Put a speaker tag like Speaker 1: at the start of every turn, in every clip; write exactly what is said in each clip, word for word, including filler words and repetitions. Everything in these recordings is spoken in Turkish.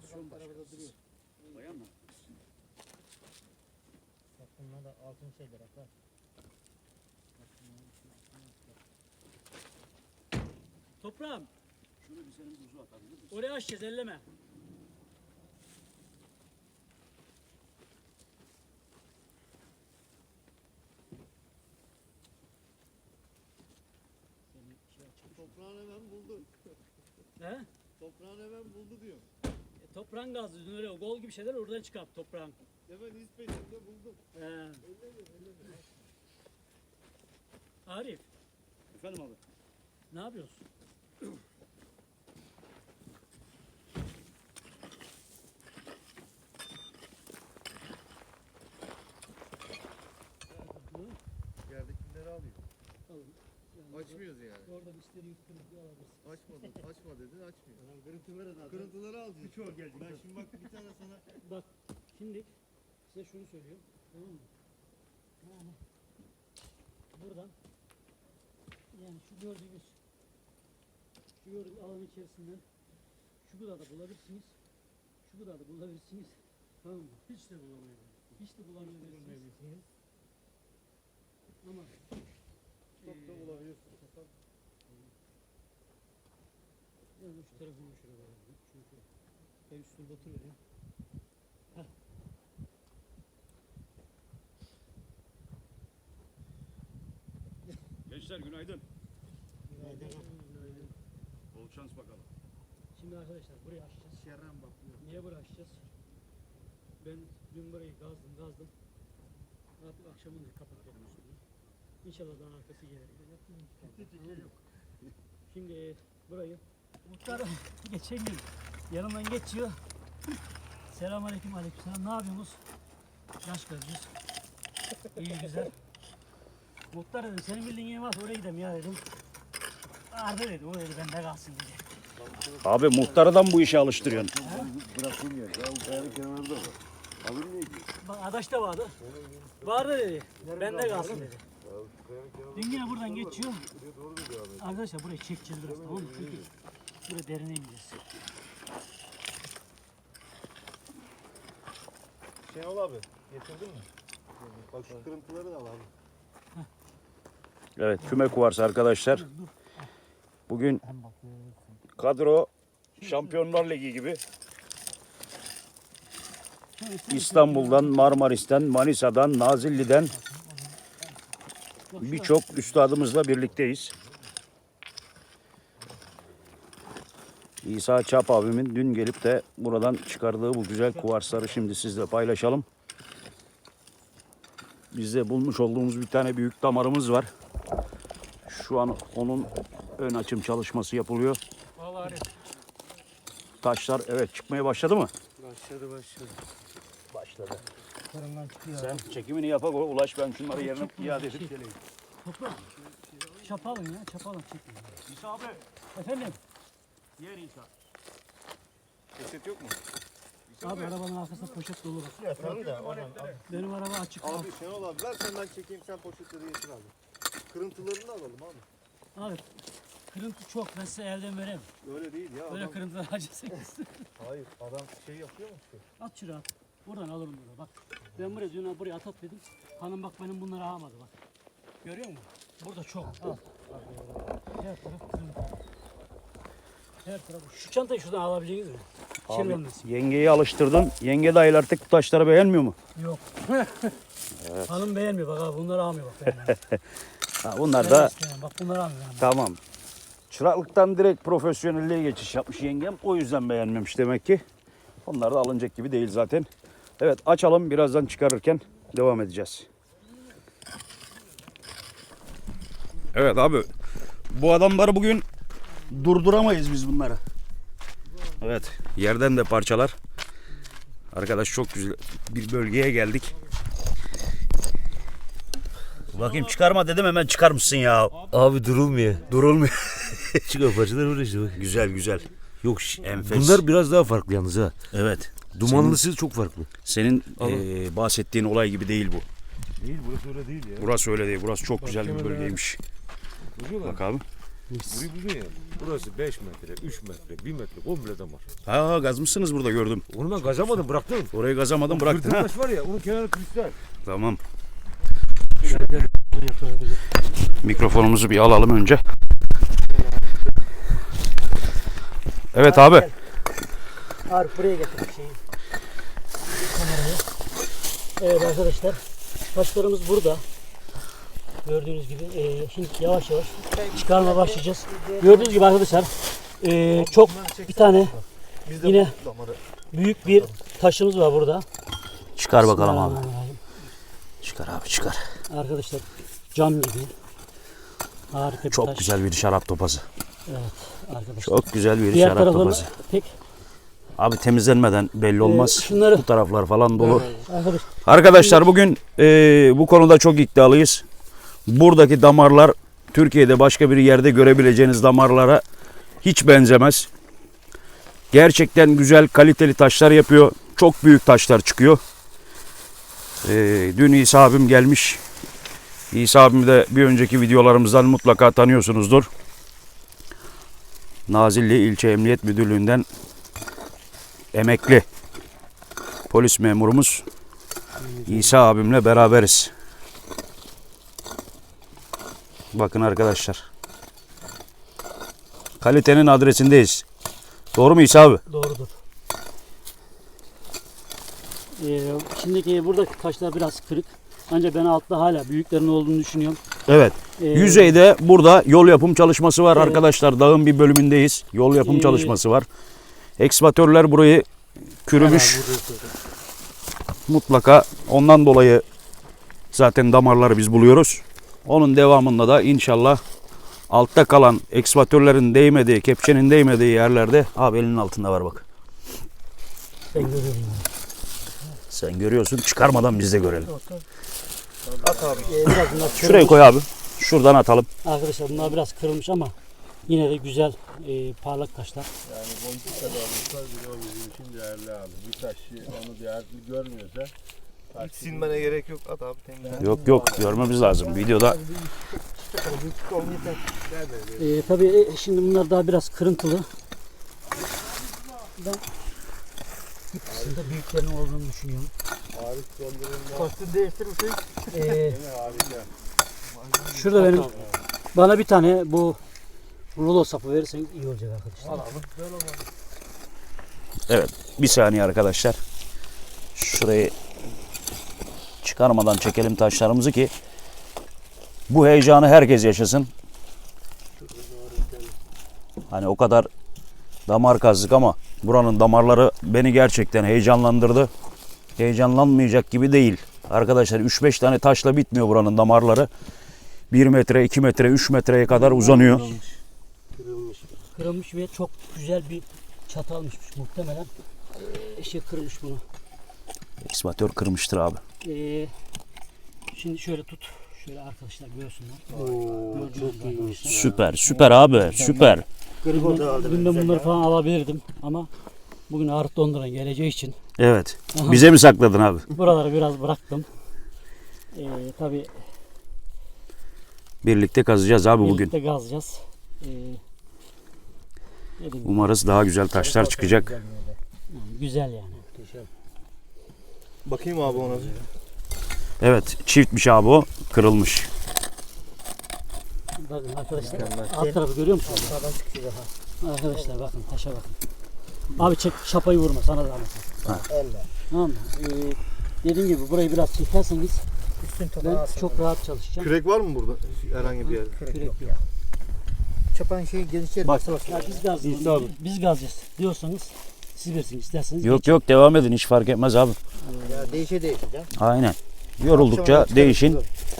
Speaker 1: Aksiyon başkanı. Bayan mı?
Speaker 2: Bak bunlar da altın şeyler hatta.
Speaker 3: Toprağım,
Speaker 1: Şunu bir senin buzu atabilir misin?
Speaker 3: oraya açacağız, elleme. Senin şey açık.
Speaker 4: Toprağını hemen buldu.
Speaker 3: He?
Speaker 4: Toprağını hemen buldu diyor.
Speaker 3: E, toprağın gazı, dün öyle gol gibi şeyler oradan çıkart toprağın.
Speaker 4: Hemen iz peşinde buldum.
Speaker 3: He. Arif,
Speaker 1: Efendim abi.
Speaker 3: ne yapıyorsun?
Speaker 4: Yerdekileri alayım.
Speaker 3: Alın. Yani
Speaker 4: Açmıyoruz yani.
Speaker 3: orada dişleri yuttunuz diye alabilirsin.
Speaker 4: Açmadın, açma dedin, açmıyor. Kırıntıları da. Kırıntıları alacağız. Birçoğu geldi. Ben şimdi bak bir tane sana.
Speaker 3: Bak, şimdi size şunu söylüyorum. Tamam mı? Yani buradan yani şu gördüğünüz şu gördüğünüz alan içerisinden şu kadar da bulabilirsiniz. Şu kadar da bulabilirsiniz. Tamam mı? Hiç de bulamayabilirsiniz. Hiç de bulamayabilirsiniz. Ama
Speaker 4: Çok da bulabiliyorsun.
Speaker 3: ben de şu tarafını şuraya koyayım. Çünkü ben üstünde oturuyorum. Heh.
Speaker 1: Gençler günaydın.
Speaker 3: Günaydın.
Speaker 1: Bol şans bakalım.
Speaker 3: Şimdi arkadaşlar burayı açacağız.
Speaker 4: Şerren bakıyor.
Speaker 3: Niye burayı açacağız? Ben dün burayı gazdım gazdım. Artık akşamın da kapatıyorum üstünü. İnşallah daha arkası gelir. Şimdi burayı muhtar geçen gün yanımdan geçiyor. Selamünaleyküm, aleykümselam. Ne yapıyorsunuz? Yaş gözlüyüz. İyi güzel. Muhtar dedim senin bildiğin yer varsa oraya gidelim ya dedim. Arda dedi, o dedi bende kalsın dedi.
Speaker 1: Abi muhtarıdan bu işe alıştırıyorsun.
Speaker 4: Bırakın ya. Ya bu kayanın kenarında var. Alır neydi?
Speaker 3: Bak adaş da vardı. Vardı dedi. Bende kalsın dedi. Dün yine buradan geçiyor.
Speaker 4: Doğru mu devam ediyor?
Speaker 3: Arkadaşlar burayı çekeceğiz biraz tamam mı? Çünkü buraya derine ineceğiz.
Speaker 4: Şenol abi getirdin mi? Bak şu kırıntıları da al abi.
Speaker 1: Evet küme kuvarsı arkadaşlar. Bugün kadro Şampiyonlar Ligi gibi. İstanbul'dan, Marmaris'ten, Manisa'dan, Nazilli'den birçok üstadımızla birlikteyiz. İsa Çap abimin dün gelip de buradan çıkardığı bu güzel kuvarsları şimdi sizle paylaşalım. Bizde bulmuş olduğumuz bir tane büyük damarımız var. Şu an onun ön açım çalışması yapılıyor.
Speaker 3: Vallahi
Speaker 1: Taşlar evet çıkmaya başladı mı?
Speaker 4: Başladı başladı.
Speaker 1: Başladı.
Speaker 3: karından çıkıyor.
Speaker 1: Sen çekimini yapak Ulaş, ben şunları yerine
Speaker 3: Çok
Speaker 1: iade
Speaker 3: güzel
Speaker 1: edip
Speaker 3: şey.
Speaker 1: geleyim.
Speaker 3: Toprak. Çapalım ya, çapalım çekin.
Speaker 1: İsa abi.
Speaker 3: Efendim?
Speaker 1: Yer İsa.
Speaker 4: Ceset yok mu?
Speaker 3: Abi arabanın arkasında poşet dolu bak.
Speaker 4: Ya tabii de oradan al.
Speaker 3: Benim araba açık.
Speaker 4: Abi Şenol abi ver sen ben çekeyim sen poşetleri getir abi. Kırıntılarını alalım abi.
Speaker 3: Abi kırıntı çok, ben size elden veremem.
Speaker 4: Öyle değil ya
Speaker 3: Böyle
Speaker 4: adam.
Speaker 3: kırıntılar harcasaydınız.
Speaker 4: Hayır adam şey yapıyor mu ki?
Speaker 3: At şuraya at. Buradan alırım bunu bak. Ben buraya dün buraya at at dedim. Hanım bak benim bunları almadı bak. Görüyor musun? Burada çok. Al. Her taraf kırıntı. Her taraf. Şu çantayı şuradan alabileceğiniz mi?
Speaker 1: Abi
Speaker 3: Kirlenmesin.
Speaker 1: yengeyi alıştırdın. Yenge dahil artık bu taşları beğenmiyor mu?
Speaker 3: Yok. Hanım beğenmiyor bak abi, bunları almıyor bak beğenmiyor.
Speaker 1: Ha, bunlar da
Speaker 3: Bak bunları almıyor. Yani.
Speaker 1: tamam. Çıraklıktan direkt profesyonelliğe geçiş yapmış yengem. O yüzden beğenmemiş demek ki. Onlar da alınacak gibi değil zaten. Evet açalım, birazdan çıkarırken devam edeceğiz. Evet abi. Bu adamları bugün durduramayız biz bunları. Evet yerden de parçalar. Arkadaş çok güzel bir bölgeye geldik. Bakayım çıkarma dedim, hemen çıkarmışsın ya.
Speaker 5: Abi durulmuyor.
Speaker 1: Durulmuyor.
Speaker 5: Çıkıyor parçalar böyle işte bak.
Speaker 1: Güzel güzel.
Speaker 5: Yok şş,
Speaker 1: Enfes.
Speaker 5: bunlar biraz daha farklı yalnız ha.
Speaker 1: Evet.
Speaker 5: Dumanlısı çok farklı.
Speaker 1: Senin
Speaker 5: Alın.
Speaker 1: eee, bahsettiğin olay gibi değil bu.
Speaker 4: Değil burası öyle değil ya.
Speaker 1: Burası öyle değil. Burası çok güzel bir bölgeymiş. Bak abi.
Speaker 5: Mis.
Speaker 6: Burayı biliyor musun? Burası beş metre, üç metre, bir metre komple damar.
Speaker 1: Ha gazmışsınız burada gördüm.
Speaker 6: Onu ben gazamadım bıraktım.
Speaker 1: Orayı gazamadım bıraktın
Speaker 6: Kırdım
Speaker 1: ha.
Speaker 6: taş var ya onun kenarı kristal.
Speaker 1: Tamam. Mikrofonumuzu bir alalım önce. Evet abi.
Speaker 3: Arif buraya getirdik şeyi. Kamerayı. Evet arkadaşlar. Taşlarımız burada. Gördüğünüz gibi e, şimdi yavaş yavaş çıkarma başlayacağız. Gördüğünüz gibi arkadaşlar e, çok bir tane yine büyük bir taşımız var burada.
Speaker 1: Çıkar bakalım abi.
Speaker 3: Bismillahirrahmanirrahim.
Speaker 1: Çıkar abi çıkar.
Speaker 3: Arkadaşlar cam gibi. Harika bir
Speaker 1: Çok
Speaker 3: taş.
Speaker 1: güzel bir şarap topazı.
Speaker 3: Evet arkadaşlar.
Speaker 1: Çok güzel bir
Speaker 3: Diğer
Speaker 1: şarap
Speaker 3: taraflarını
Speaker 1: topazı.
Speaker 3: pek
Speaker 1: Abi temizlenmeden belli olmaz.
Speaker 3: Ee, şunları-
Speaker 1: Bu taraflar falan dolu.
Speaker 3: arkadaş
Speaker 1: Arkadaşlar bugün e, bu konuda çok iddialıyız. Buradaki damarlar Türkiye'de başka bir yerde görebileceğiniz damarlara hiç benzemez. Gerçekten güzel kaliteli taşlar yapıyor. Çok büyük taşlar çıkıyor. E, dün İsa abim gelmiş. İsa abimi de bir önceki videolarımızdan mutlaka tanıyorsunuzdur. Nazilli İlçe Emniyet Müdürlüğü'nden emekli polis memurumuz İsa abimle beraberiz. Bakın arkadaşlar. Kalitenin adresindeyiz. Doğru mu İsa abi?
Speaker 3: doğrudur. Ee, şimdiki buradaki taşlar biraz kırık. Ancak ben altta hala büyüklerin olduğunu düşünüyorum.
Speaker 1: Evet.
Speaker 3: Ee,
Speaker 1: Yüzeyde burada yol yapım çalışması var
Speaker 3: Evet.
Speaker 1: arkadaşlar. Dağın bir bölümündeyiz. Yol yapım
Speaker 3: Ee,
Speaker 1: çalışması var. Ekskavatörler burayı kürümüş. Mutlaka ondan dolayı zaten damarları biz buluyoruz. Onun devamında da inşallah altta kalan ekskavatörlerin değmediği, kepçenin değmediği yerlerde abi elinin altında var bak.
Speaker 3: Ben görüyorum.
Speaker 1: Sen görüyorsun. Çıkarmadan biz de görelim.
Speaker 4: At abi.
Speaker 3: Ee, biraz bunlar
Speaker 1: Şuraya
Speaker 3: kırılmış.
Speaker 1: koy abi. Şuradan atalım.
Speaker 3: Arkadaşlar bunlar biraz kırılmış ama yine de güzel e, parlak taşlar.
Speaker 7: Yani boncuk kadar olsa bile o bizim için değerli abi. Bir taş onu değerli görmüyorsa
Speaker 4: Hiç silmene gerek yok. At abi temizlen.
Speaker 1: Yok yok görmemiz lazım. Videoda
Speaker 3: Ee, tabii e, şimdi bunlar daha biraz kırıntılı. Ben hepsinde büyüklerin olduğunu düşünüyorum.
Speaker 7: Arif döndürümde
Speaker 4: Kostüm değiştirirsin.
Speaker 3: Ee,
Speaker 7: harika.
Speaker 3: şurada benim bana bir tane bu rulo sapı verirseniz iyi olacak arkadaşlar.
Speaker 1: evet bir saniye arkadaşlar. Şurayı çıkarmadan çekelim taşlarımızı ki bu heyecanı herkes yaşasın. Hani o kadar damar kazdık ama buranın damarları beni gerçekten heyecanlandırdı. Heyecanlanmayacak gibi değil. Arkadaşlar üç beş tane taşla bitmiyor buranın damarları. bir metre, iki metre, üç metreye kadar uzanıyor.
Speaker 3: Kırılmış ve çok güzel bir çatı almışmış muhtemelen. Ee, şey kırılmış bunu.
Speaker 1: Ekskavatör kırmıştır abi.
Speaker 3: Ee, şimdi şöyle tut. Şöyle arkadaşlar görsünler. Gördüğünüz gibi arkadaşlar.
Speaker 1: Süper, süper abi, süper.
Speaker 3: Bugün, bugün de bunları falan alabilirdim ama bugün Arif Donduran geleceği için
Speaker 1: Evet. Bize mi sakladın abi?
Speaker 3: buraları biraz bıraktım. Ee, tabii
Speaker 1: Birlikte kazacağız abi bugün.
Speaker 3: birlikte gazlayacağız. Ee, dediğim gibi,
Speaker 1: Umarız daha güzel taşlar çıkacak.
Speaker 3: yani güzel yani.
Speaker 4: Bakayım abi ona.
Speaker 1: Evet, çiftmiş abi o. Kırılmış.
Speaker 3: Bakın arkadaşlar alt tarafı görüyor musunuz? Arkadaşlar bakın taşa bakın. Abi çek şapayı vurma sana da
Speaker 2: Elle.
Speaker 3: Tamam mı? Ee, dediğim gibi burayı biraz çekerseniz
Speaker 2: Üstün
Speaker 3: ben
Speaker 2: toprağı
Speaker 3: çok rahat çalışacağım.
Speaker 4: Kürek var mı burada? Herhangi bir yerde.
Speaker 2: Kürek
Speaker 3: Kürek
Speaker 2: yok
Speaker 3: yok.
Speaker 2: ya. Çapan şeyi genişler.
Speaker 3: Bak, ya biz gazlayalım. Biz gazlayacağız diyorsanız siz bilirsiniz isterseniz.
Speaker 1: Yok
Speaker 3: geçin.
Speaker 1: yok devam edin hiç fark etmez abi.
Speaker 2: Ya değişe değişeceğim.
Speaker 1: Aynen. Yoruldukça değişin.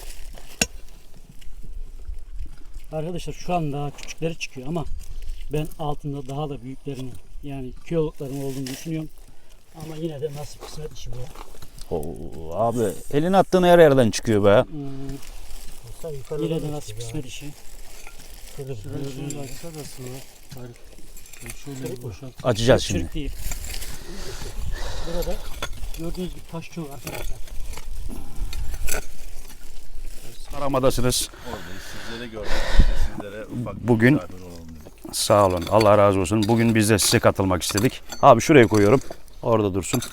Speaker 3: Arkadaşlar şu an daha küçükleri çıkıyor ama ben altında daha da büyüklerinin yani kilolukların olduğunu düşünüyorum. Ama yine de nasip kısmet işi bu.
Speaker 1: Oo, abi elin attığın her yerden çıkıyor be.
Speaker 3: Hmm, yine de nasip kısmet işi. Gördüğünüz
Speaker 1: Açacağız şimdi.
Speaker 3: Çürük değil. Burada gördüğünüz gibi taş çok arkadaşlar.
Speaker 1: Aramadasınız.
Speaker 7: Oradayız. Sizlere gördük. Biz de sizlere ufak bir
Speaker 1: Bugün-
Speaker 7: misafir olalım dedik.
Speaker 1: Sağ olun. Allah razı olsun. Bugün biz de size katılmak istedik. Abi şuraya koyuyorum. Orada dursun.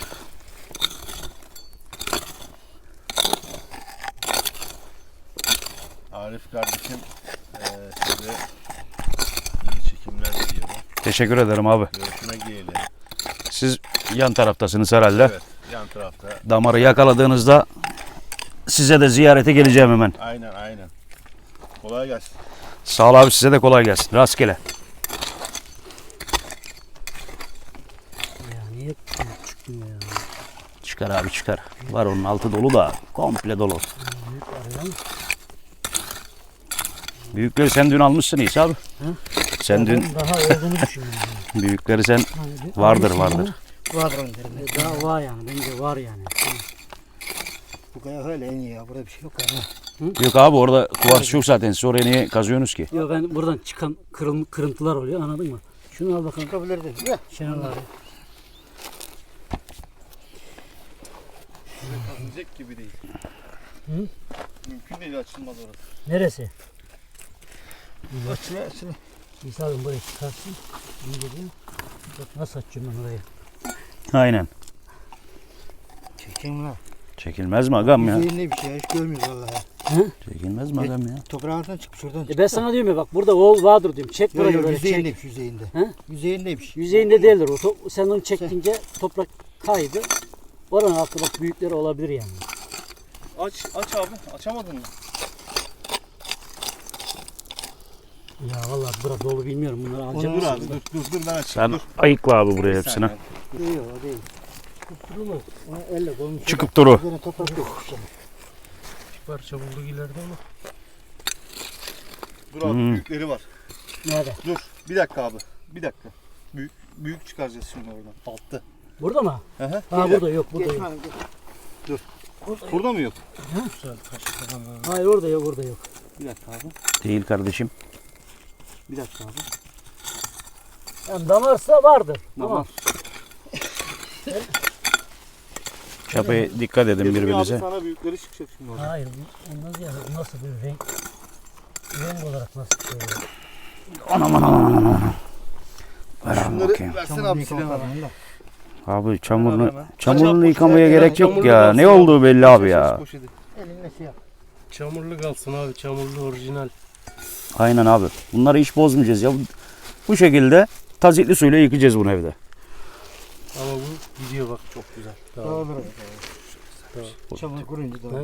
Speaker 7: Arif kardeşim eee size iyi çekimler diliyorum.
Speaker 1: Teşekkür ederim abi.
Speaker 7: Görüşmek dileğiyle.
Speaker 1: Siz yan taraftasınız herhalde.
Speaker 7: Evet, yan tarafta.
Speaker 1: Damarı yakaladığınızda size de ziyarete geleceğim hemen.
Speaker 7: Aynen aynen. Kolay gelsin.
Speaker 1: Sağ ol abi, size de kolay gelsin. Rastgele.
Speaker 3: Ya niye çıkmıyor ya?
Speaker 1: Çıkar abi çıkar. Var onun altı dolu da komple dolu.
Speaker 3: Büyük arıyor.
Speaker 1: Büyükleri sen dün almışsın İsa abi. Sen dün
Speaker 3: Ben daha olduğunu düşünüyorum. yani.
Speaker 1: büyükleri sen
Speaker 3: Hani bir
Speaker 1: vardır
Speaker 3: almışım
Speaker 1: vardır.
Speaker 3: ama
Speaker 2: Vardır önlerinde.
Speaker 3: Daha var yani. Bence var yani.
Speaker 2: Bu kaya öyle en iyi ya. Burada bir şey yok yani.
Speaker 1: Yok abi orada kuvars yok zaten. Siz oraya niye kazıyorsunuz ki?
Speaker 3: Yok ben buradan çıkan kırıl, kırıntılar oluyor, anladın mı? Şunu al bakalım.
Speaker 2: Çıkabilirdi. Ya.
Speaker 3: Şenol abi.
Speaker 4: Kazınacak gibi değil.
Speaker 3: Hı?
Speaker 4: Mümkün değil, açılmaz orası.
Speaker 3: Neresi?
Speaker 2: Açılı açılı.
Speaker 3: İsa abim burayı çıkarsın. İyi geliyor. Bak nasıl açacağım ben orayı.
Speaker 1: Aynen.
Speaker 2: Çekeyim lan.
Speaker 1: Çekilmez mi agam ya?
Speaker 2: Yüzeyinde bir şey ya. Hiç görmüyoruz vallahi.
Speaker 1: Çekilmez mi agam ya?
Speaker 2: Toprağın altından çıkmış oradan.
Speaker 3: E ben sana diyorum ya bak burada oğul vardır diyorum. Çek
Speaker 2: Yok
Speaker 3: burayı
Speaker 2: yok
Speaker 3: böyle çek.
Speaker 2: yüzeyindeymiş yüzeyinde.
Speaker 3: He?
Speaker 2: Yüzeyindeymiş.
Speaker 3: Yüzeyinde değildir o. To- sen onu çektince toprak kaydı. Oranın altı bak büyükleri olabilir yani.
Speaker 4: Aç, aç abi. Açamadın mı?
Speaker 3: Ya vallahi bura dolu bilmiyorum bunları
Speaker 4: Dur
Speaker 3: alacağım.
Speaker 4: abi, dur dur dur ben açayım.
Speaker 1: Sen
Speaker 4: dur.
Speaker 1: ayıkla abi buraya
Speaker 4: Bir
Speaker 1: hepsini.
Speaker 4: saniye.
Speaker 2: Yok o değil. Tutturulmaz. Onu elle koymuş.
Speaker 1: Çıkıp duru.
Speaker 2: Üzerine toprak yok.
Speaker 7: Parça bulduk ileride ama.
Speaker 4: Dur abi,
Speaker 1: Hmm.
Speaker 4: büyükleri var.
Speaker 3: Nerede?
Speaker 4: Dur, bir dakika abi. Bir dakika. Büyük büyük çıkaracağız şimdi oradan. Altta.
Speaker 3: Burada mı?
Speaker 4: Hı hı.
Speaker 3: Ha burada yok, burada yok.
Speaker 2: Geçme. geç.
Speaker 4: Burada mı yok?
Speaker 3: Hayır orada yok, orada yok.
Speaker 4: Bir dakika abi.
Speaker 1: Değil kardeşim.
Speaker 4: Bir dakika abi.
Speaker 3: Yani damarsa vardır. Tamam.
Speaker 1: Çapaya dikkat edin
Speaker 4: Dedim ya
Speaker 1: birbirinize.
Speaker 4: Abi sana büyükleri çıkacak şimdi oradan.
Speaker 3: Hayır, bu ondan ziyade bu nasıl bir renk? Renk olarak nasıl bir şey oluyor?
Speaker 1: Anam anam anam anam. Ver abi
Speaker 4: Şunları
Speaker 1: bakayım.
Speaker 4: versene abi silahı abi.
Speaker 1: Abi çamurlu,
Speaker 4: Hemen.
Speaker 1: çamurunu
Speaker 4: Aç
Speaker 1: yıkamaya
Speaker 4: abi,
Speaker 1: gerek yok
Speaker 7: çamurlu
Speaker 1: ya.
Speaker 7: kalsın
Speaker 1: Ne
Speaker 7: ya.
Speaker 1: olduğu belli abi ya.
Speaker 4: Poşeti.
Speaker 2: Elinle şey yap.
Speaker 7: Çamurlu kalsın abi. Çamurlu orijinal.
Speaker 1: Aynen abi. Bunları hiç bozmayacağız ya. Bu şekilde tazikli suyla yıkayacağız bunu evde.
Speaker 7: Ama bu gidiyor bak çok güzel. Tamam.
Speaker 2: Doğru. Çamur kurunca da.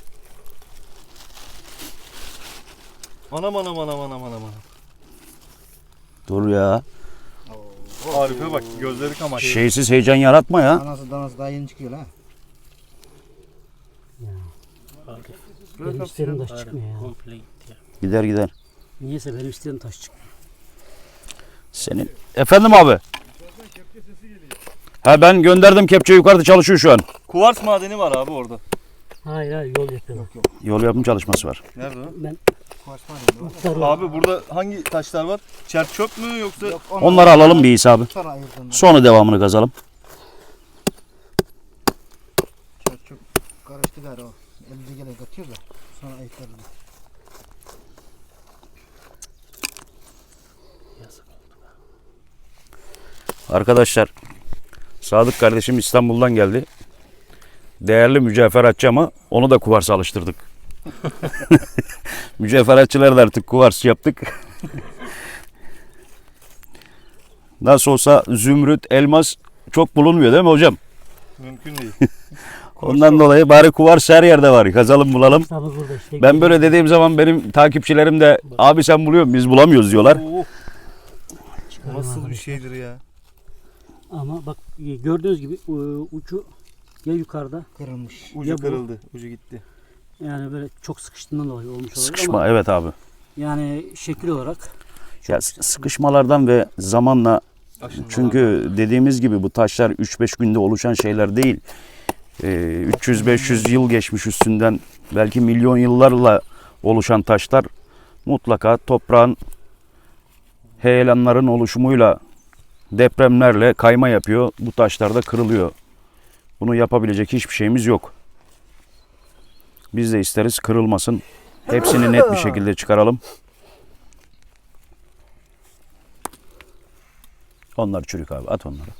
Speaker 4: Anam anam anam anam anam anam.
Speaker 1: Dur ya.
Speaker 4: Arif'e bak, gözleri kamaştı.
Speaker 1: Şeysiz heyecan yaratma ya.
Speaker 2: Anası danası daha yeni çıkıyor lan.
Speaker 3: Benim istediğim taş çıkmıyor ya.
Speaker 7: Komple gitti ya.
Speaker 1: Gider gider.
Speaker 3: Niyeyse benim istediğim taş çıkmıyor.
Speaker 1: Senin. Efendim abi. Ha ben gönderdim, kepçe yukarıda çalışıyor şu an.
Speaker 4: Kuvars madeni var abi orada.
Speaker 3: Hayır hayır yol yapıyorum.
Speaker 1: Yol yapım çalışması var.
Speaker 4: Nerede o?
Speaker 3: Ben
Speaker 2: Koşma
Speaker 3: muhtarım.
Speaker 4: Abi burada hangi taşlar var? Çerçöp mü yoksa?
Speaker 2: Yok, onu
Speaker 1: Onları alalım bir İsa abi.
Speaker 2: sonra ayırdım.
Speaker 1: Sonra devamını kazalım.
Speaker 2: Çok çok karıştı galiba o. Elimize gelen katıyor da sonra ayıklarız.
Speaker 1: Arkadaşlar, Sadık kardeşim İstanbul'dan geldi. Değerli mücevheratçı ama onu da kuvarsa alıştırdık. Mücevheratçıları da artık kuvars yaptık. Nasıl olsa zümrüt, elmas çok bulunmuyor değil mi hocam?
Speaker 4: Mümkün değil.
Speaker 1: Ondan dolayı bari kuvars her yerde var. Kazalım bulalım.
Speaker 3: Tabii burada işte.
Speaker 1: Ben böyle dediğim zaman benim takipçilerim de abi sen buluyor musun? Biz bulamıyoruz diyorlar.
Speaker 4: Oo,
Speaker 3: Çıkarıyorum
Speaker 4: nasıl bir
Speaker 3: abi.
Speaker 4: şeydir ya?
Speaker 3: Ama bak gördüğünüz gibi e, ucu ya yukarıda
Speaker 2: Kırılmış.
Speaker 4: Ucu
Speaker 3: Ya bu-
Speaker 4: kırıldı, ucu gitti.
Speaker 3: yani böyle çok sıkıştığından dolayı olmuş olabilir
Speaker 1: Sıkışma
Speaker 3: ama
Speaker 1: evet abi.
Speaker 3: yani şekil olarak
Speaker 1: Ya sıkışmalardan ve zamanla,
Speaker 4: Aşınmalar.
Speaker 1: çünkü dediğimiz gibi bu taşlar üç beş günde oluşan şeyler değil. Ee, üç yüz beş yüz yıl geçmiş üstünden, belki milyon yıllarla oluşan taşlar mutlaka toprağın, heyelanların oluşumuyla, depremlerle kayma yapıyor. Bu taşlar da kırılıyor. Bunu yapabilecek hiçbir şeyimiz yok. Biz de isteriz kırılmasın. Hepsini net bir şekilde çıkaralım. Onlar çürük abi. At onları.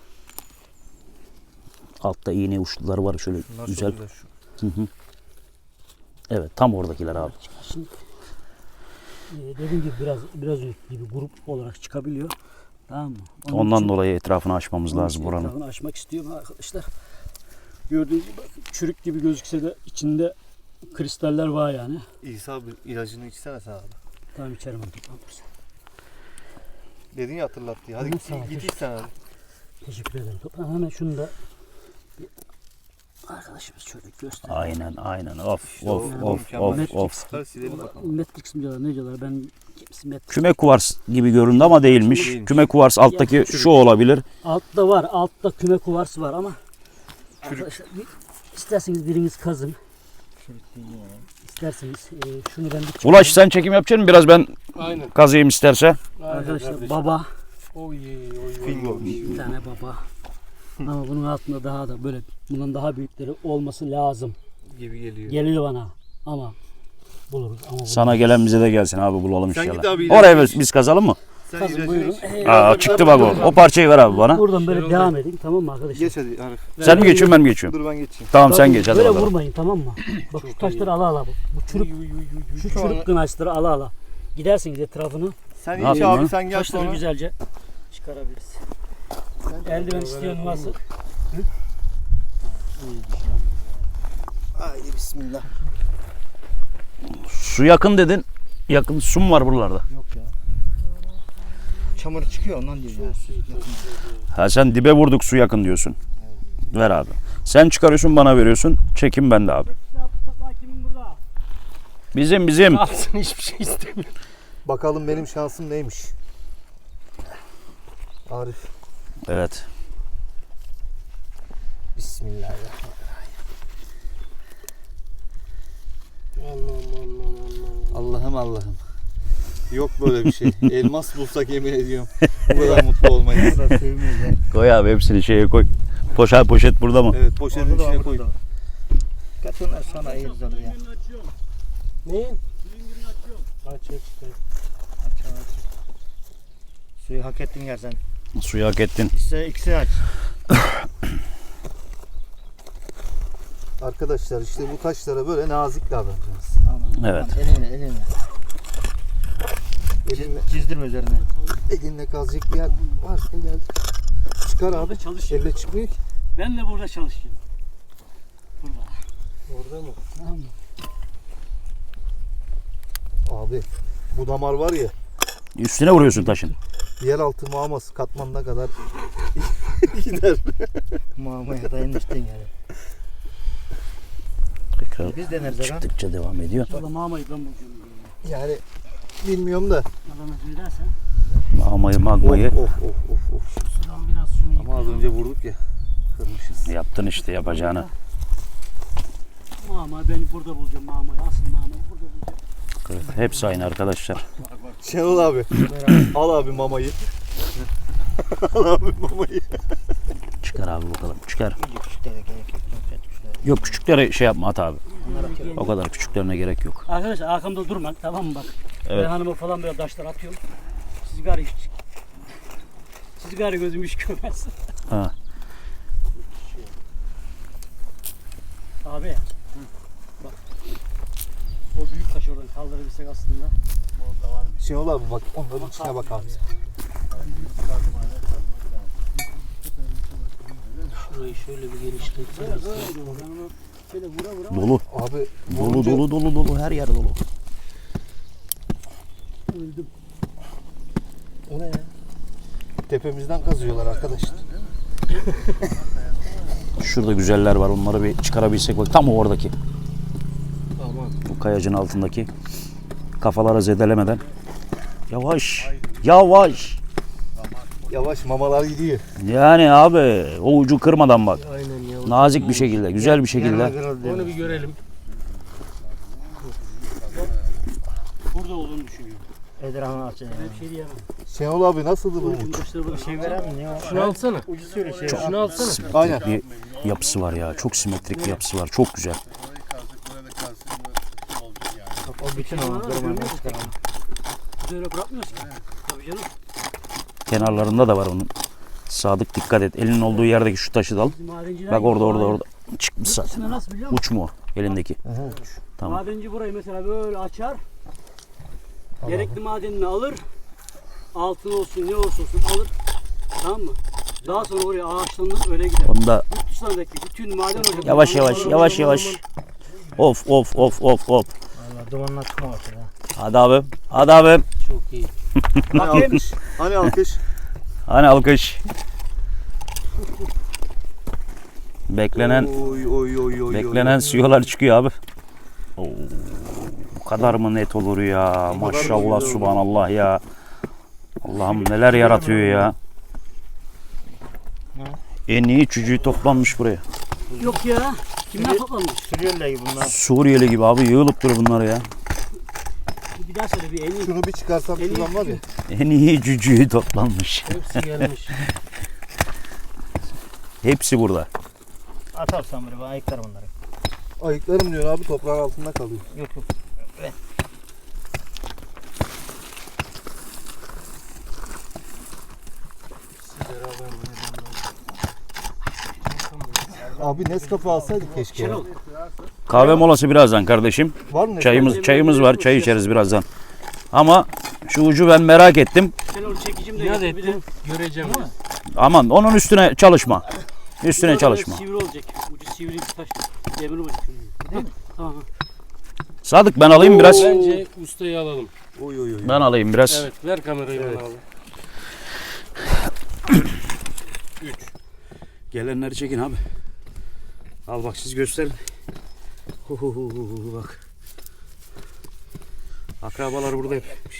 Speaker 1: Altta iğne uçları var şöyle
Speaker 4: Nasıl
Speaker 1: güzel.
Speaker 4: güzel şu.
Speaker 1: Hı hı. Evet tam oradakiler abi.
Speaker 3: Şimdi e, dediğim gibi biraz biraz önceki gibi grup olarak çıkabiliyor. Tamam mı? Onun
Speaker 1: Ondan
Speaker 3: için-
Speaker 1: dolayı etrafını açmamız
Speaker 3: onun
Speaker 1: lazım
Speaker 3: için
Speaker 1: buranın.
Speaker 3: etrafını açmak istiyorum arkadaşlar. Gördüğünüz gibi bakın, çürük gibi gözükse de içinde kristaller var yani.
Speaker 4: İsa abi ilacını içsene sen abi.
Speaker 3: Tamam içerim onu. Tamam.
Speaker 4: Dedin ya hatırlat diye. Hadi
Speaker 3: Hı,
Speaker 4: git,
Speaker 3: sağ ol.
Speaker 4: git iç sen hadi.
Speaker 3: Teşekkür ederim. Toplam hemen şunu da bir arkadaşımız şöyle göster.
Speaker 1: Aynen aynen. Of
Speaker 4: İşte
Speaker 1: of
Speaker 4: o
Speaker 1: of
Speaker 4: mükemmel.
Speaker 1: of of.
Speaker 4: Çıkar silelim bakalım.
Speaker 3: Matrix mi diyorlar ne diyorlar ben kimisi Matrix.
Speaker 1: Küme kuvars gibi göründü ama değilmiş.
Speaker 4: Değilmiş.
Speaker 1: Küme kuvars alttaki şu olabilir.
Speaker 3: Altta var altta küme kuvarsı var ama arkadaşlar bir, isterseniz biriniz kazın. İsterseniz e, şunu ben bir çıkarayım.
Speaker 1: Ulaş sen çekim yapacaksın mı? Biraz ben
Speaker 7: Aynen.
Speaker 1: kazıyım isterse.
Speaker 3: Arkadaşlar baba
Speaker 7: Oy oy
Speaker 4: Fingo.
Speaker 3: bir tane baba. Ama bunun altında daha da böyle bundan daha büyükleri olması lazım.
Speaker 4: Gibi geliyor.
Speaker 3: Geliyor bana ama buluruz ama buluruz.
Speaker 1: Sana gelen bize de gelsin abi bulalım
Speaker 4: Sen
Speaker 1: inşallah.
Speaker 4: git abi,
Speaker 1: Oraya
Speaker 4: ilacını
Speaker 1: biz, biz kazalım mı?
Speaker 4: Sen
Speaker 3: Kazın
Speaker 4: ilacını
Speaker 3: buyurun.
Speaker 4: iç.
Speaker 3: Ee,
Speaker 1: Aa, çıktı bak o. O parçayı ver abi bana.
Speaker 3: Buradan böyle
Speaker 4: Şenol
Speaker 3: devam
Speaker 4: Bey.
Speaker 3: edin tamam mı arkadaşlar?
Speaker 4: Geç hadi Arif.
Speaker 1: Sen mi geçiyorsun ben mi geçiyorum?
Speaker 4: Dur ben geçeyim.
Speaker 1: Tamam sen
Speaker 3: Bakın,
Speaker 1: geç hadi
Speaker 3: böyle
Speaker 1: bakalım.
Speaker 3: vurmayın tamam mı? Bak şu taşları ala ala. Bu, bu çürük, şu çürük kınaçları ala ala. Gidersiniz etrafını.
Speaker 4: Sen
Speaker 1: Ne
Speaker 4: iç
Speaker 1: yapayım
Speaker 4: abi
Speaker 1: lan?
Speaker 4: sen gel
Speaker 3: Taşları
Speaker 4: sonra.
Speaker 3: güzelce çıkarabiliriz. Eldiven isteyen varsa.
Speaker 2: Haydi bismillah.
Speaker 1: Su yakın dedin. Yakın su mu var buralarda?
Speaker 2: Yok ya. Çamur çıkıyor ondan diyor ya.
Speaker 1: Ha sen dibe vurduk su yakın diyorsun. Ver abi. Sen çıkarıyorsun bana veriyorsun. Çekim bende abi.
Speaker 3: Kimin burada?
Speaker 1: Bizim bizim.
Speaker 3: Alsın hiçbir şey istemiyor.
Speaker 4: Bakalım benim şansım neymiş. Arif.
Speaker 1: Evet.
Speaker 4: Bismillahirrahmanirrahim. Allah'ım Allah'ım. Yok böyle bir şey. Elmas bulsak yemin ediyorum. Bu kadar mutlu olmayız.
Speaker 2: Bu da sevmiyor ya.
Speaker 1: Koy abi hepsini şeye koy. Poşet poşet burada mı?
Speaker 4: Evet poşetin
Speaker 2: Orada da
Speaker 4: içine
Speaker 2: var,
Speaker 4: koy.
Speaker 2: burada. Kaç onlar sonra ayırırız onu ya.
Speaker 3: Neyin?
Speaker 7: Aç aç.
Speaker 2: Aç aç. Suyu hak ettin ya sen.
Speaker 1: Suyu hak ettin.
Speaker 2: İşte ikisi aç.
Speaker 4: Arkadaşlar işte bu taşlara böyle nazik davranacağız.
Speaker 2: Aman,
Speaker 1: Evet.
Speaker 2: aman, elinle elinle.
Speaker 4: Elinle,
Speaker 2: Çizdirme üzerine.
Speaker 4: elinle kazacak bir yer varsa gel. Çıkar abi.
Speaker 3: Çalışıyor.
Speaker 4: Elle çıkmıyor ki.
Speaker 3: Ben de burada çalışıyorum. Burada.
Speaker 7: Orada mı?
Speaker 3: Tamam mı?
Speaker 4: Abi bu damar var ya
Speaker 1: Üstüne vuruyorsun taşın.
Speaker 4: yeraltı mağması katmanına kadar gider.
Speaker 2: Mamaya dayanmıştın yani.
Speaker 1: Tekrar
Speaker 2: Biz deneriz aga.
Speaker 1: çıktıkça devam ediyor.
Speaker 3: Valla mamayı ben bulacağım.
Speaker 4: Yani bilmiyorum da.
Speaker 3: Adana söylersen.
Speaker 1: Mamayı
Speaker 4: Of
Speaker 1: magmayı
Speaker 4: of of of of.
Speaker 3: Şuradan biraz şunu
Speaker 4: Ama az önce vurduk ya. Kırmışız.
Speaker 1: yaptın işte yapacağını.
Speaker 3: Mama ben burada bulacağım mamayı. Asıl mamayı burada bulacağım.
Speaker 1: Evet, hepsi aynı arkadaşlar.
Speaker 4: Şenol abi. Al abi mamayı. Al abi mamayı.
Speaker 1: Çıkar abi bakalım. Çıkar.
Speaker 2: İyice küçüklere gerek yok. Çok küçüklere.
Speaker 1: Yok küçüklere şey yapma at abi.
Speaker 2: Bunlar atıyorum.
Speaker 1: O kadar küçüklerine gerek yok.
Speaker 3: Arkadaşlar arkamda durma tamam mı bak.
Speaker 1: Evet.
Speaker 3: Ben hanıma falan böyle taşlar atıyorum. Siz gari hiç. Siz gari gözüm hiç görmez.
Speaker 1: Ha.
Speaker 3: Abi. Bak. O büyük taşı oradan kaldırabilsek aslında.
Speaker 4: Şenol abi bak onların içine bak abi.
Speaker 3: Şurayı şöyle bir genişletseniz. Şöyle vura vura.
Speaker 1: Dolu.
Speaker 4: Abi
Speaker 1: Dolu
Speaker 4: vurunca
Speaker 1: dolu dolu dolu her yer dolu.
Speaker 3: Öldüm.
Speaker 4: O ne ya? Tepemizden kazıyorlar arkadaşlar.
Speaker 1: Şurada güzeller var. Onları bir çıkarabilsek bak. Tam oradaki.
Speaker 7: Aman.
Speaker 1: Bu kayacın altındaki. Kafalara zedelemeden. Yavaş. Yavaş.
Speaker 4: Yavaş mamalar gidiyor.
Speaker 1: Yani abi o ucu kırmadan bak.
Speaker 7: Aynen ya.
Speaker 1: Nazik bir şekilde, güzel bir şekilde.
Speaker 7: Onu bir görelim.
Speaker 3: Burada olduğunu düşünüyorum.
Speaker 2: Edrahını aç. Yani.
Speaker 3: Ben bir şey diyemem.
Speaker 4: Şenol abi nasıldı bu
Speaker 3: Ucun
Speaker 4: uç?
Speaker 3: taşları burada.
Speaker 2: Şey veren mi? Ne o?
Speaker 7: Şunu alsana.
Speaker 2: Ucu söyle şey.
Speaker 7: Şunu alsana.
Speaker 1: Simetrik
Speaker 4: Aynen.
Speaker 1: bir yapısı var ya. Çok simetrik bir yapısı var. Çok güzel.
Speaker 2: Bütün ama kırmadan çıkaralım.
Speaker 3: Biz öyle bırakmıyoruz ki. Tabii canım.
Speaker 1: Kenarlarında da var onun. Sadık dikkat et. Elinin olduğu yerdeki şu taşı da al.
Speaker 3: Bizim madenciler
Speaker 1: Bak orada
Speaker 3: gibi
Speaker 1: orada
Speaker 3: hayır.
Speaker 1: orada. Çıkmış zaten.
Speaker 3: İçine nasıl biliyor musun?
Speaker 1: Uç mu o elindeki? Tamam.
Speaker 3: Madenci burayı mesela böyle açar. Gerekli madenini alır. Altın olsun ne olursa olsun alır. Tamam mı? Daha sonra oraya ağaçlanır öyle gider.
Speaker 1: Onu da
Speaker 3: Yurt dışlarındaki bütün maden ocakları.
Speaker 1: yavaş yavaş yavaş yavaş. Of of of of of.
Speaker 2: Valla dumanlar çıkmamıştır ha.
Speaker 1: Hadi abi. Hadi abi.
Speaker 3: Çok iyi.
Speaker 4: Hani
Speaker 3: Bakayım.
Speaker 4: alkış? Hani alkış?
Speaker 1: Hani alkış. Beklenen
Speaker 4: Oy oy oy oy.
Speaker 1: beklenen suyolar çıkıyor abi. Oo, bu kadar mı net olur ya? Maşallah subhanallah ya. Allah'ım neler yaratıyor ya. En iyi cücüğü toplanmış buraya.
Speaker 3: Yok ya. Kimler toplamış?
Speaker 2: Sürüyorlar gibi bunlar.
Speaker 1: Suriyeli gibi abi yığılıp durur bunlar ya.
Speaker 3: Bir daha söyle bir en iyi.
Speaker 4: Şunu bir çıkarsam
Speaker 3: En iyi
Speaker 4: şuradan var ya.
Speaker 1: En iyi cücüğü toplanmış.
Speaker 3: Hepsi gelmiş.
Speaker 1: Hepsi burada.
Speaker 2: Atarsan böyle ben ayıklarım onları.
Speaker 4: Ayıklarım diyor abi, toprağın altında kalıyor.
Speaker 2: Yok yok.
Speaker 4: Abi Nescafe alsaydık keşke. ya.
Speaker 3: Şenol.
Speaker 1: Kahve molası birazdan kardeşim.
Speaker 4: Var mı?
Speaker 1: Çayımız çayımız var. Çay içeriz birazdan. Ama şu ucu ben merak ettim.
Speaker 3: Şenol çekicim de getir bir de.
Speaker 6: Göreceğim.
Speaker 1: Aman onun üstüne çalışma. Üstüne çalışma.
Speaker 3: Sivri olacak. Ucu sivri bir taş. Demir olacak. Değil mi? Tamam.
Speaker 1: Sadık ben alayım biraz.
Speaker 6: Bence ustayı alalım.
Speaker 4: Oy oy oy.
Speaker 1: Ben alayım biraz.
Speaker 6: Evet, ver kamerayı bana abi.
Speaker 1: Gelenleri çekin abi. Al bak siz gösterin. Hu hu hu hu, bak. Akrabalar burada hep.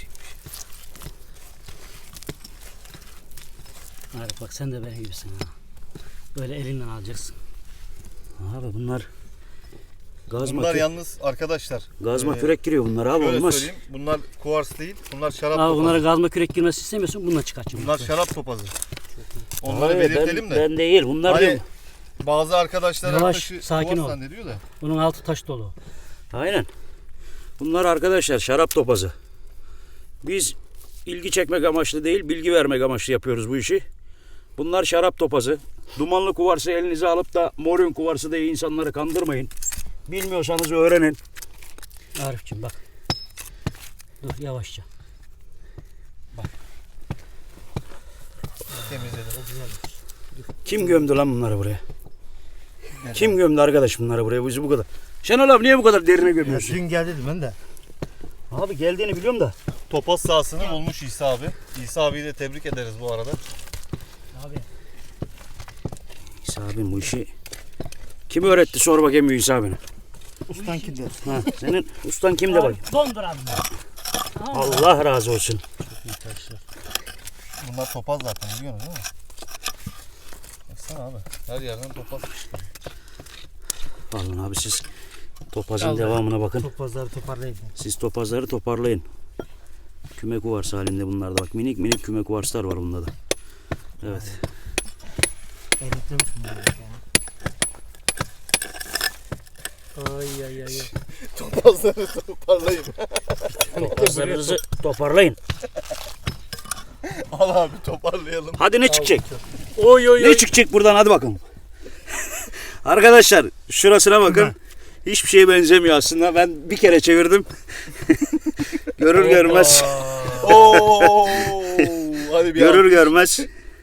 Speaker 3: Arif bak sen de benim gibisin ha. Böyle elinden alacaksın.
Speaker 1: Abi bunlar gazma
Speaker 4: Bunlar
Speaker 1: kürek,
Speaker 4: yalnız arkadaşlar.
Speaker 1: gazma
Speaker 4: e,
Speaker 1: kürek giriyor bunlar abi
Speaker 4: Şöyle
Speaker 1: olmaz.
Speaker 4: söyleyeyim. Bunlar kuvars değil. Bunlar şarap
Speaker 3: Abi
Speaker 4: topazı.
Speaker 3: bunlara gazma kürek girmesi istemiyorsun bununla çıkartacağım.
Speaker 4: Bunlar şarap topazı. Onları
Speaker 1: Hayır,
Speaker 4: belirtelim
Speaker 1: ben,
Speaker 4: de.
Speaker 1: Ben değil bunlar
Speaker 4: Hani
Speaker 1: değil.
Speaker 4: bazı arkadaşlar
Speaker 3: Yavaş,
Speaker 4: arkadaşı
Speaker 3: sakin
Speaker 4: kuvars
Speaker 3: ol.
Speaker 4: zannediyor da.
Speaker 3: Bunun altı taş dolu.
Speaker 1: Aynen. Bunlar arkadaşlar şarap topazı. Biz ilgi çekmek amaçlı değil bilgi vermek amaçlı yapıyoruz bu işi. Bunlar şarap topazı. Dumanlı kuvarsı elinize alıp da morun kuvarsı diye insanları kandırmayın. Bilmiyorsanız öğrenin.
Speaker 3: Arif'cim bak. Dur yavaşça.
Speaker 4: Temizledim.
Speaker 1: Kim gömdü lan bunları buraya? Kim gömdü arkadaş bunları buraya? Bizi bu kadar. Şenol abi niye bu kadar derine gömüyorsun?
Speaker 2: Dün geldi dedim ben de.
Speaker 1: Abi geldiğini biliyorum da.
Speaker 4: Topaz sahasını bulmuş İsa abi. İsa abiyi de tebrik ederiz bu arada.
Speaker 3: Abi.
Speaker 1: İsa abim bu işi kim öğretti sor bakayım İsa abine.
Speaker 2: Ustan kimde?
Speaker 1: Ha, senin ustan kim de bak.
Speaker 3: Dondur abi.
Speaker 1: Allah razı olsun.
Speaker 4: Bunlar topaz zaten biliyorsunuz değil mi? Baksana abi. Her yerden topaz çıkıyor.
Speaker 1: Alın abi siz topazın devamına bakın.
Speaker 2: Topazları toparlayın.
Speaker 1: Siz topazları toparlayın. Küme kuvarsı halinde bunlar da bak. Minik minik küme kuvarslar var bunda da. Evet.
Speaker 2: Eritlemiş bunları.
Speaker 3: Ay ay ay.
Speaker 4: Topazları toparlayın.
Speaker 1: Topazlarınızı toparlayın.
Speaker 4: Al abi toparlayalım.
Speaker 1: Hadi ne çıkacak? Oy oy Ne çıkacak buradan hadi bakalım. Arkadaşlar şurasına bakın. Hiçbir şeye benzemiyor aslında. Ben bir kere çevirdim. Görür görmez.
Speaker 4: Oo! Hadi bir
Speaker 1: Görür
Speaker 4: al.
Speaker 1: görmez.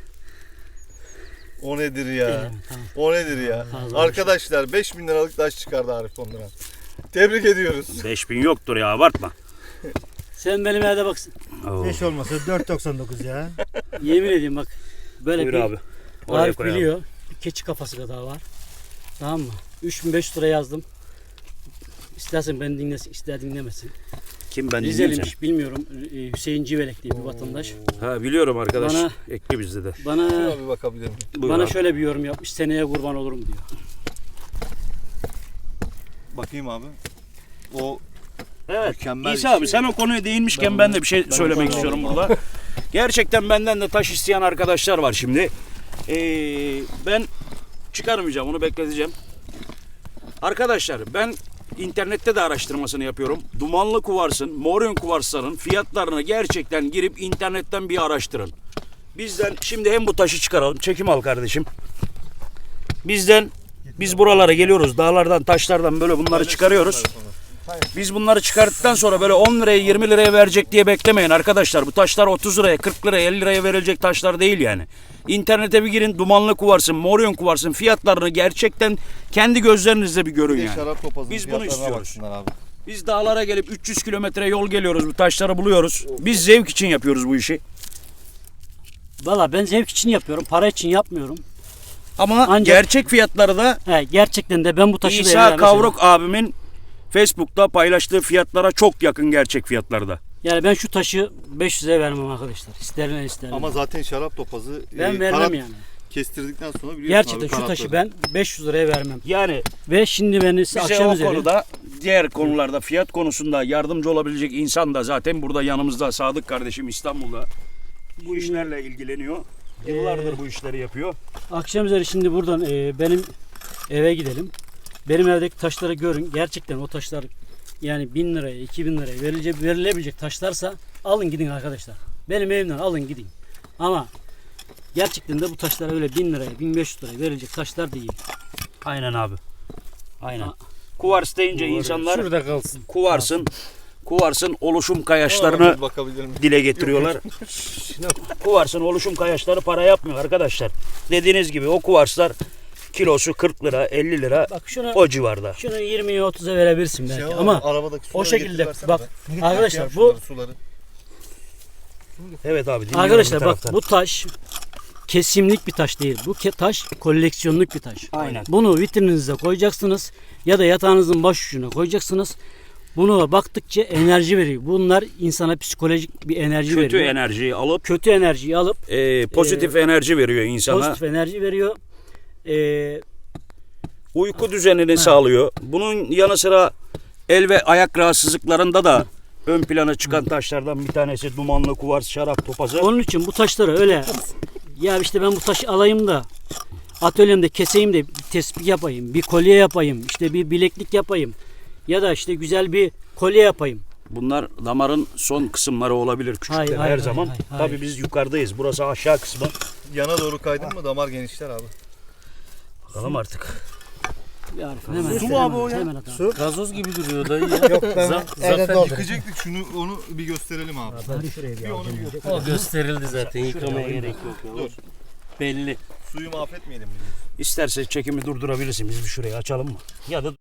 Speaker 4: O nedir ya?
Speaker 3: Tamam.
Speaker 4: O nedir ya?
Speaker 3: Fazla
Speaker 4: Arkadaşlar beş bin liralık taş çıkardı Arif onlara. Tebrik ediyoruz.
Speaker 1: beş bin yoktur ya abartma.
Speaker 3: Sen benim evde bak.
Speaker 1: Oo.
Speaker 2: beş olmasa dört doksan dokuz ya.
Speaker 3: Yemin ediyorum bak. Böyle
Speaker 1: Buyur
Speaker 3: bir
Speaker 1: abi. Oraya
Speaker 3: Arif
Speaker 1: koyalım.
Speaker 3: biliyor. Bir keçi kafası kadar var. Tamam mı? üç bin beş yüz lira yazdım. İstersen beni dinlesin, ister dinlemesin.
Speaker 1: Kim ben dinleyeceğim?
Speaker 3: Rizeliymiş bilmiyorum. Ee, Hüseyin Civelek diye bir vatandaş.
Speaker 1: Ha biliyorum arkadaş.
Speaker 3: Bana-
Speaker 1: Ekli bizde de.
Speaker 3: Bana
Speaker 4: Şuna bir bakabilir miyim?
Speaker 1: Buyur
Speaker 3: bana
Speaker 1: abi.
Speaker 3: şöyle bir yorum yapmış. Seneye kurban olurum diyor.
Speaker 4: Bakayım abi. O
Speaker 1: Evet.
Speaker 4: mükemmel
Speaker 1: İsa
Speaker 4: bir
Speaker 1: abi
Speaker 4: şey.
Speaker 1: sen o konuya değinmişken ben, de bir şey söylemek istiyorum burada. Gerçekten benden de taş isteyen arkadaşlar var şimdi. Ee, ben çıkarmayacağım onu bekleteceğim. Arkadaşlar ben internette de araştırmasını yapıyorum. Dumanlı kuvarsın, moryon kuvarsların fiyatlarını gerçekten girip internetten bir araştırın. Bizden şimdi hem bu taşı çıkaralım. Çekim al kardeşim. Bizden biz buralara geliyoruz. Dağlardan, taşlardan böyle bunları çıkarıyoruz. Biz bunları çıkarttıktan sonra böyle on liraya yirmi liraya verecek diye beklemeyin arkadaşlar. Bu taşlar otuz liraya, kırk liraya, elli liraya verilecek taşlar değil yani. İnternete bir girin, dumanlı kuvarsın, moryon kuvarsın fiyatlarını gerçekten kendi gözlerinizle bir görün
Speaker 4: Bir de
Speaker 1: yani.
Speaker 4: şarap topazının
Speaker 1: Biz bunu
Speaker 4: fiyatlarına
Speaker 1: istiyoruz.
Speaker 4: baksınlar abi.
Speaker 1: Biz dağlara gelip üç yüz kilometre yol geliyoruz, bu taşları buluyoruz. Biz zevk için yapıyoruz bu işi.
Speaker 3: Valla ben zevk için yapıyorum. Para için yapmıyorum.
Speaker 1: Ama
Speaker 3: Ancak-
Speaker 1: gerçek fiyatları da
Speaker 3: He, gerçekten de ben bu taşı da
Speaker 1: İsa
Speaker 3: evime
Speaker 1: Kavruk abimin Facebook'ta paylaştığı fiyatlara çok yakın gerçek fiyatlarda.
Speaker 3: Yani ben şu taşı beş yüze vermem arkadaşlar. İsterler isterler.
Speaker 4: Ama zaten şarap topazı
Speaker 3: ben
Speaker 4: e,
Speaker 3: vermem
Speaker 4: karat
Speaker 3: yani.
Speaker 4: kestirdikten sonra biliyorsun
Speaker 3: Gerçekten
Speaker 4: abi,
Speaker 3: şu
Speaker 4: karatları.
Speaker 3: taşı ben beş yüz liraya vermem.
Speaker 1: Yani
Speaker 3: Ve şimdi beni size
Speaker 1: bize
Speaker 3: akşam
Speaker 1: o
Speaker 3: üzeri
Speaker 1: konuda diğer konularda fiyat konusunda yardımcı olabilecek insan da zaten burada yanımızda Sadık kardeşim İstanbul'da bu işlerle ilgileniyor. Yıllardır bu işleri yapıyor.
Speaker 3: akşam üzeri şimdi buradan e, benim eve gidelim. Benim evdeki taşları görün. Gerçekten o taşlar yani bin liraya, iki bin liraya verilecek, verilebilecek taşlarsa alın gidin arkadaşlar. Benim evimden alın gidin. Ama gerçekten de bu taşlar öyle bin liraya, bin beş yüz liraya verilecek taşlar değil.
Speaker 1: Aynen abi. Aynen.
Speaker 3: Ha.
Speaker 1: Kuvars deyince insanlar
Speaker 7: Şurada kalsın.
Speaker 1: kuvarsın, kuvarsın oluşum
Speaker 4: Ona
Speaker 1: kayaçlarını
Speaker 4: bir bakabilir miyim?
Speaker 1: dile getiriyorlar. Kuvarsın oluşum kayaçları para yapmıyor arkadaşlar. Dediğiniz gibi o kuvarslar kilosu kırk lira, elli lira
Speaker 3: Bak şunu
Speaker 1: o civarda.
Speaker 3: şunu yirmiye otuza verebilirsin belki
Speaker 4: Şey
Speaker 3: ama
Speaker 4: arabadaki
Speaker 3: o
Speaker 4: suları
Speaker 3: şekilde
Speaker 4: getir
Speaker 3: bak
Speaker 4: versene be.
Speaker 3: arkadaşlar
Speaker 4: Ya
Speaker 3: bu
Speaker 4: şunları, suları.
Speaker 1: Evet abi dinliyorum
Speaker 3: arkadaşlar
Speaker 1: bir
Speaker 3: bak
Speaker 1: taraftan.
Speaker 3: bu taş kesimlik bir taş değil. Bu ke- taş koleksiyonluk bir taş.
Speaker 1: Aynen.
Speaker 3: Bunu vitrininize koyacaksınız ya da yatağınızın baş ucuna koyacaksınız. Bunu baktıkça enerji veriyor. Bunlar insana psikolojik bir enerji
Speaker 1: Kötü
Speaker 3: veriyor.
Speaker 1: enerjiyi alıp
Speaker 3: Kötü enerjiyi alıp
Speaker 1: e, pozitif enerji veriyor insana.
Speaker 3: pozitif enerji veriyor. Ee,
Speaker 1: Uyku düzenini sağlıyor. Bunun yanı sıra el ve ayak rahatsızlıklarında da ön plana çıkan taşlardan bir tanesi dumanlı kuvars, şarap topazı.
Speaker 3: onun için bu taşları öyle ya işte ben bu taşı alayım da atölyemde keseyim de bir tespih yapayım, bir kolye yapayım, işte bir bileklik yapayım ya da işte güzel bir kolye yapayım.
Speaker 1: Bunlar damarın son kısımları olabilir küçükler
Speaker 3: Hayır,
Speaker 1: her
Speaker 3: hayır,
Speaker 1: zaman.
Speaker 3: hayır, hayır.
Speaker 1: Tabii biz yukarıdayız. Burası aşağı kısmı.
Speaker 4: Yana doğru kaydın mı damar genişler abi.
Speaker 1: Bakalım artık.
Speaker 3: Bir Arif, hemen,
Speaker 4: Su mu abi o ya?
Speaker 3: hemen atalım.
Speaker 7: Gazoz gibi duruyor dayı ya.
Speaker 2: Yok ben evde doldurdum.
Speaker 4: Yıkayacaktık şunu onu bir gösterelim abi. Bir onu bir gösterelim.
Speaker 7: O gösterildi zaten. Yıkamaya gerek yok. Ya.
Speaker 4: Dur.
Speaker 7: Belli.
Speaker 4: Suyu mahvetmeyelim mi?
Speaker 1: İsterse çekimi durdurabilirsin. Biz bir şurayı açalım mı? Ya da